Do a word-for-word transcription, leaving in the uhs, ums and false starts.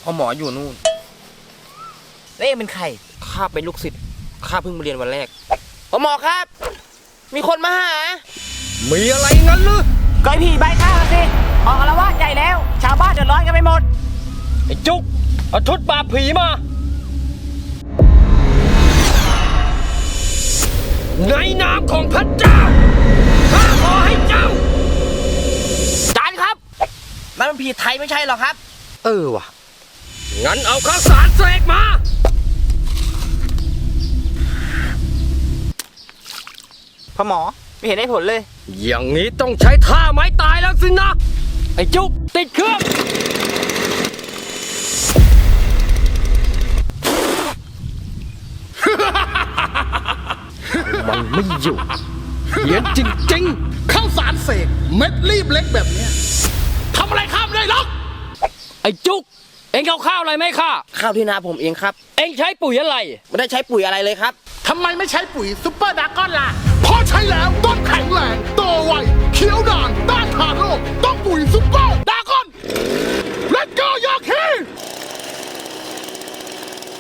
พ่อหมออยู่นู่นแล้วเองเป็นใครข้าเป็นลูกศิษย์ข้าเพิ่งมาเรียนวันแรกพ่อหมอครับ มีคนมาหามีอะไรงั้นหรือก็ไอ้ผีใบข้าวสิออกอาละวาดใหญ่แล้วชาวบ้านเดือดร้อนกันไปหมดไอ้จุกเอาชุดปราบผีมาในนามของพระเจ้าข้าขอให้เจ้าจานครับนั่นมันผีไทยไม่ใช่หรอครับเออว่ะงั้นเอาข้าวสารเสกมาพ่อหมอไม่เห็นได้ผลเลยอย่างนี้ต้องใช้ท่าไม้ตายแล้วสินะไอ้จุกติดเครื่องมันไม่อยู่เหี้ยนจริงๆข้าวสารเสกเม็ดรีบเล็กแบบเนี้ยทำอะไรข้ามได้หรอกไอ้จุกเอ็งเอาข้าวอะไรไหมข้าข้าวที่นาผมเองครับเอ็งใช้ปุ๋ยอะไรไม่ได้ใช้ปุ๋ยอะไรเลยครับทำไมไม่ใช้ปุ๋ยซุปเปอร์ดากอนล่ะพอใช้แล้วต้นแข็งแรงโตไวเขียวนานต้านทานโรคต้องปุ๋ยซุปเปอร์